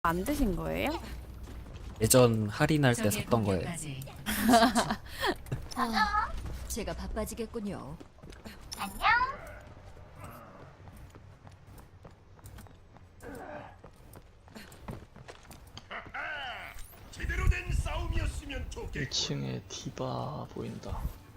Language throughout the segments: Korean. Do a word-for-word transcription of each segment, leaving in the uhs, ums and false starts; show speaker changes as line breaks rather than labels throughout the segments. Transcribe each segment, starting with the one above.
안 드신 거예요?
예전 할인할 때 샀던 거예요.
아, 제가 바빠지겠군요.
제대로 된 싸움이었으면 좋겠고.
일 층에 디바 보인다.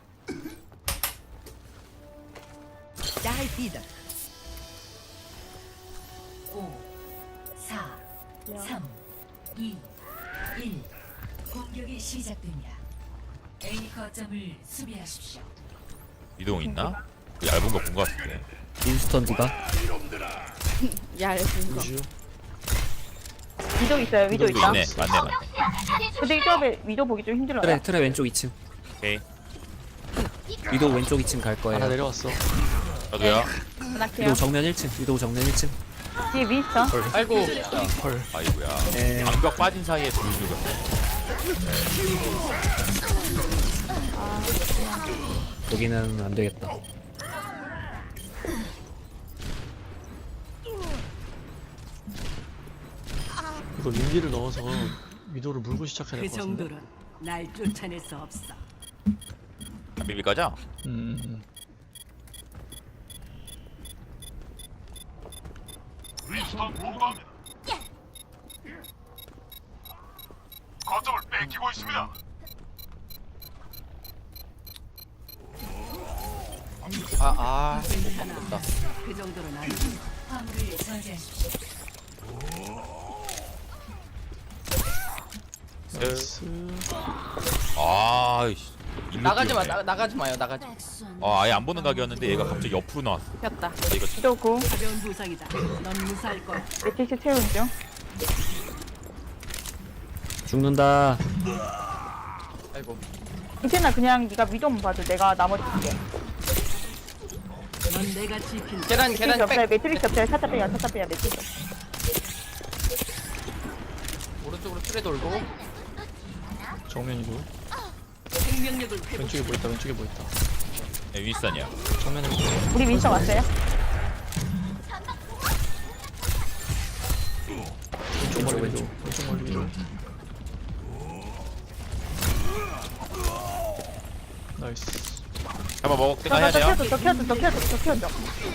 오, 사, 삼, 이, 일. 공격이 시작됩니다. A 거점을 수비하십시오.
이동 있나? 그 얇은 거 본 거 같은데.
윈스턴 디바.
얇은 거.
우주.
위도 있어요. 위도 있다.
있네. 맞네 맞네.
근데 이 조합에 위도 보기 좀 힘들어요.
트레 트레 왼쪽 이 층.
오케이.
위도 왼쪽 이 층 갈
하나
거예요.
내려왔어.
저도요.
하나케요.
위도 정면 일 층. 위도 정면 일 층.
뒤에 윈스턴.
아이고. 헐.
아이고야.
네.
방벽 빠진 사이에 둘 죽었네.
여기는 안 되겠다.
이거 윈디를 넣어서 위도를 물고 시작해야 될
그
것 같은데.
정도는 날 쫓아낼 수 없어.
안 비빌 거죠?
음, 음.
리스턴 보고합니다. 거점을 뺏기고 있습니다.
아 아.
하나, 그 정도는 아니.
화물을 저지하십시오.
나이스.
아이씨.
나가지 마, 나, 나가지 마요, 나가지.
아 아예 안 보는 각이었는데 얘가 갑자기 옆으로 나왔어.
폈다.
아, 이거
위도고
가벼운 부상이다. 넌 무사할 거야.
매트릭스 채우는 중.
죽는다.
아이고.
이태나 그냥 네가 위도만 봐줘. 내가 나머지 볼게.
넌 내가 지킨다.
계단,
매트릭스
계단
없어요.
백.
매트릭스 없어요. 살짝 빼야 살짝 빼야 매트릭스.
오른쪽으로 틀에 돌고.
정면이고.
생명력을 회복.
왼쪽에 뭐 있다. 왼쪽에 뭐 있다.
네, 윈스턴이야.
정면에 뭐
우리 윈스턴 왔어요.
왼쪽 멀리 위도. 왼쪽 멀리 위도. 나이스.
잡아 먹을 때가
저,
해야
저,
돼요.
저 키워줘. 저 키워줘. 저 키워줘.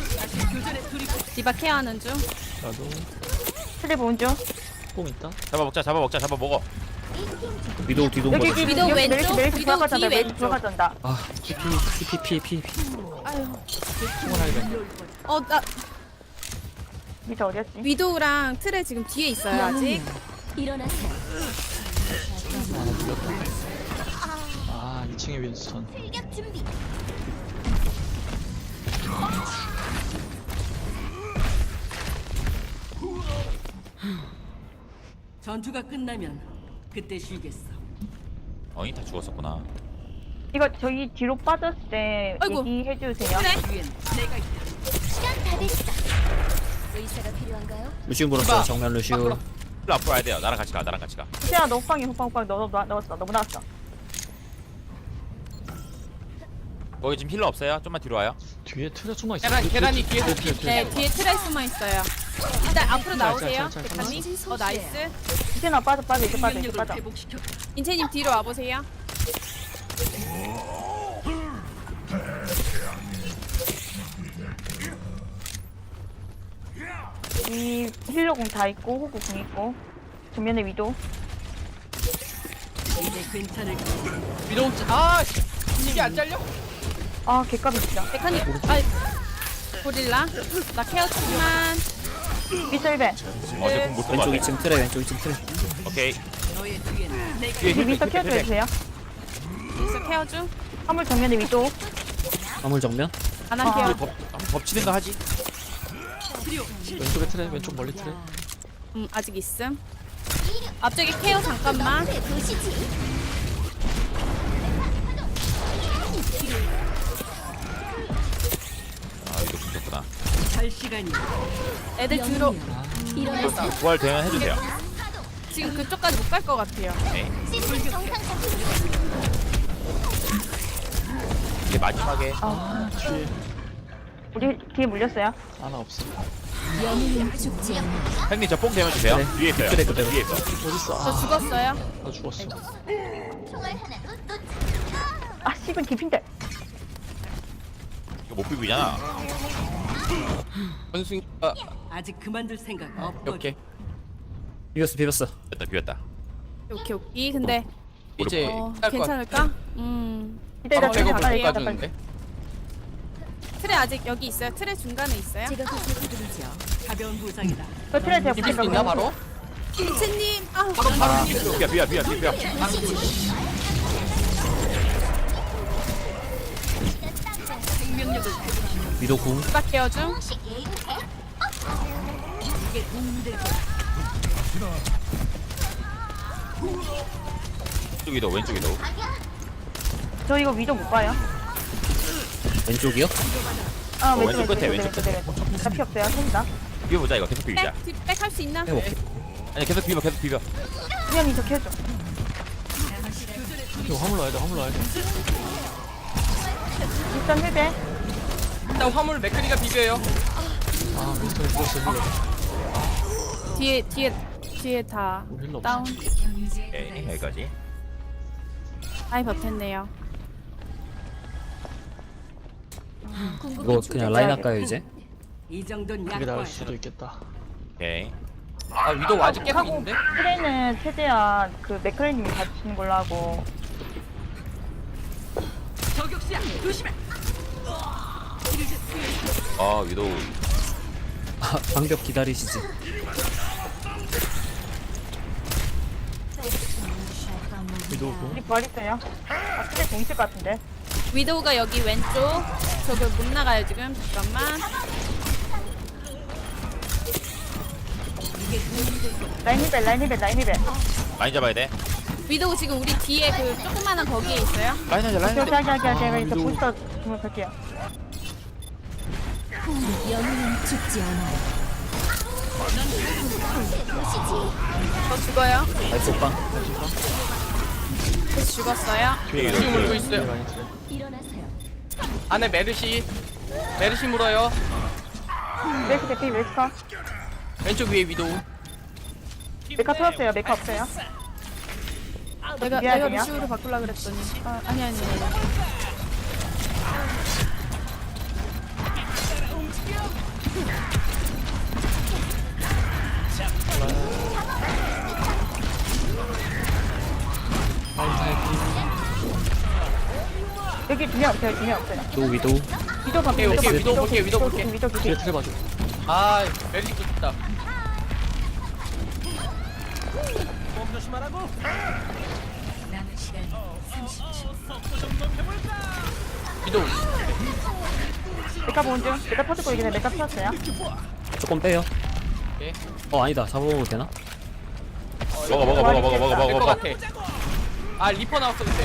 디바 케어하는 중.
나도
트레 보는 중.
뽕 있다.
잡아 먹자 잡아 먹자 잡아 먹어.
위도 뒤도
여기
먹어.
여기
위도
여기
왼쪽,
메리트 메리트
위도
들어가잖아.
뒤
메리트
왼쪽.
들어가잖아.
아 피피피피피 피.
어, 나
위도 어디였지?
위도우랑 트레 지금 뒤에 있어요 아직.
일어나세요.
아, 이 층에 윈스턴.
출격 준비.
전투가 끝나면 그때 쉬겠어.
어이 다 죽었었구나.
이거 저희 뒤로 빠졌을 때
아이고.
얘기해 주세요.
트레.
위엔 내가 있다.
시간 다 됐어. 의사가 필요한가요?
루시우 물었어요. 정면 루시우.
일로 앞으로 와야 돼요. 나랑 같이 가. 나랑 같이 가.
시아 너 호빵이 호빵 호빵 너 너- 넣었어. 너무 나왔어.
거기 지금 힐러 없어요? 좀만 뒤로 와요.
뒤에 틀에 숨어 있어.
계단, 계단이 뒤에서
뒤에, 뒤에,
네,
뒤에.
뒤에 트레 숨어 있어요. 일단 앞으로 나오세요.
잘, 잘, 잘,
대표님. 어 나이스.
이제나 빠져 빠져 이제 빠져 이제
생명력을
빠져.
회복시켜.
인채님 뒤로 와보세요.
이 힐러공 다 있고 호구 공 있고 정면에 위도.
이제 괜찮을 거야.
위로, 아, 씨. 이게 안 잘려?
아 개값이 진짜.
메카닉. 아 고릴라. 나 케어 좀만.
미셀벤.
어제 공못
왼쪽
뽑았네.
이 층 트레 왼쪽 이 층 트레.
오케이.
너의 뒤에는 내가
뒤에
우리
힐
미스터 키워줘 주세요.
여기서 케어 중.
화물 정면에 위도.
화물 정면.
하나
아.
케어.
덮 덮치든가 하지.
왼쪽에 틀에, 왼쪽 멀리 틀에.
음 아직 있음. 앞쪽에 케어 잠깐만.
도시지.
아 이거 죽었구나.
갈 시간이.
애들 뒤로.
일어나세요.
부활 되면 해주세요.
지금 그쪽까지 못 갈 것 같아요.
시스템 정상 작동.
이제 마지막에
아
뒤에
우리 뒤에 물렸어요.
하나 없어.
영웅은 죽지 않아.
형님 저 뽕 대면 주세요.
네.
위에 있어요.
그래, 그래.
위에 있어.
어딨어?
저
아,
죽었어요.
나 죽었어.
총알 하나도 놓치.
아 씨발 개핀데.
이거 못 비비잖아.
원숭이 아
아직 그만둘 생각 없거든.
오케이.
비볐어 비볐어.
비웠다 비웠다.
오케이 오케이. 근데
이제
어,
할것 같아.
괜찮을까? 음.
이때
바로
나
백업
가까이
못
가까이.
가주는데.
틀에 아직 여기 있어요. 틀에 중간에 있어요.
제가 구슬해드리죠.
가벼운 부상이다.
저 트레 제가
비빌 수
붙일까
있나
그럼?
바로?
김치님. 아.
바로 바로 비빌
비야 비야 비야 비야.
생명력을
위도 궁.
누가 깨워줌?
이게 도움될
왼쪽이도 왼쪽이도.
저 이거 위도 못 봐요.
왼쪽이요?
아
어,
왼쪽
왼쪽 끝에,
왼쪽
왼쪽
왼쪽 왼쪽. 나 피 없어요. 손이다.
비벼보자 이거 계속 비비자.
백, 뒷- 백할 수 있나?
해볼게.
아니 계속 비벼 계속 비벼.
수영이 저 해줘.
이거 화물 넣어야 돼, 화물 넣어야 돼.
일단 해대.
일단 화물 맥크리가 비벼요.
아, 윈스턴이 죽었어, 힐러.
뒤에 뒤에 뒤에 다
우리 힐러 없어.
다운.
경유지에
오케이
도달했습니다.
여기까지.
아이 버텼네요.
이거 그냥 라인 할까요 이제?
이 정도는
이게 나을
약과야.
수도 있겠다.
오케이.
아 위도 아직 깨고 있는데?
트레는 최대한 그 맥크레님이 봐주시는 걸로 하고.
저격수야 조심해.
아 위도우.
아, 방벽 기다리시지.
위도우 공.
우리 부활 있어요. 아 트레 공 있을 것 같은데.
위도우가 여기 왼쪽. 저기 못 나가요 지금. 잠깐만.
라인 힐벨 라인 힐벨 라인 힐벨.
많이 잡아야 돼.
위도우 지금 우리 뒤에 그 조그마한 거기에 있어요.
라인 하자 라인
저
하자.
자기 자기 제가 이제
위도우.
부스터 주문 갈게요.
영웅은 죽지 않아.
저 죽어요.
나이스 오빠.
그래서 죽었어요.
뒤에
지금 물고
위도우.
있어요.
많이 트레.
일어나세요.
안에 메르시. 메르시 물어요.
웨스 대피 웨스커.
왼쪽 위에 위도우.
메카 터졌어요. 메카 없어요.
내가
미안해요.
내가 루시우로 바꾸려 그랬더니. 아 아니 아니. 아니.
여기 두 명 없어요. 두 명 없어요.
또 위도.
위도 봐.
오케이, 오케이, 위도 볼게요, 위도 볼게요.
위도 위도
뒤에 트레 봐줘.
아 메르시 좋다.
남은 시간 삼십 초.
위도우.
메카 보는 중. 메카 터지고 이게 메카 터졌어요.
조금 빼요.
오케이.
어 아니다. 잡아먹어도 되나?
먹어 먹어 먹어 먹어 먹어 먹어
될것
먹어.
같아. 아 리퍼 나왔어 근데.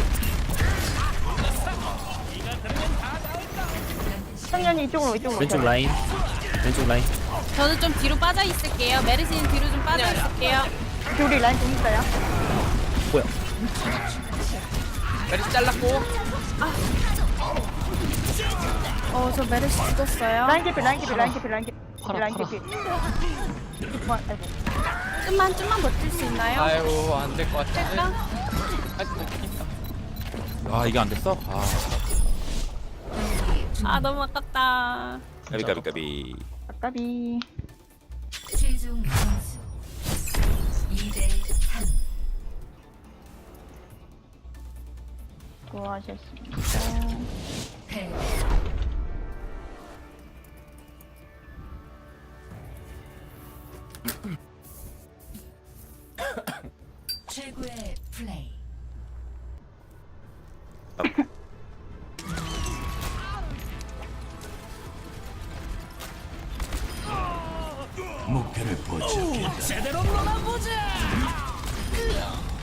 청년이 이쪽으로 이쪽으로.
왼쪽
오세요.
라인. 왼쪽 라인.
저는 좀 뒤로 빠져 있을게요. 메르시는 뒤로 좀 빠져 있을게요.
이렇게 우리 라인 좀 있어요.
뭐야?
메르시 잘랐고.
어 저 메르시 죽었어요.
라인 개피 라인 개피 라인 개피 라인 개피
팔아,
라인
팔아.
개피. 그만 아이고.
좀만 좀만 버틸 수 있나요?
아유 안 될 것 같은데.
될까?
아,
아 이게 안 됐어? 아
아 너무 아깝다.
까비 까비 까비.
아까비.
최종 점수 이 대 삼.
수고하셨습니다.
패. 최고의 플레이.
목표를 포착했다.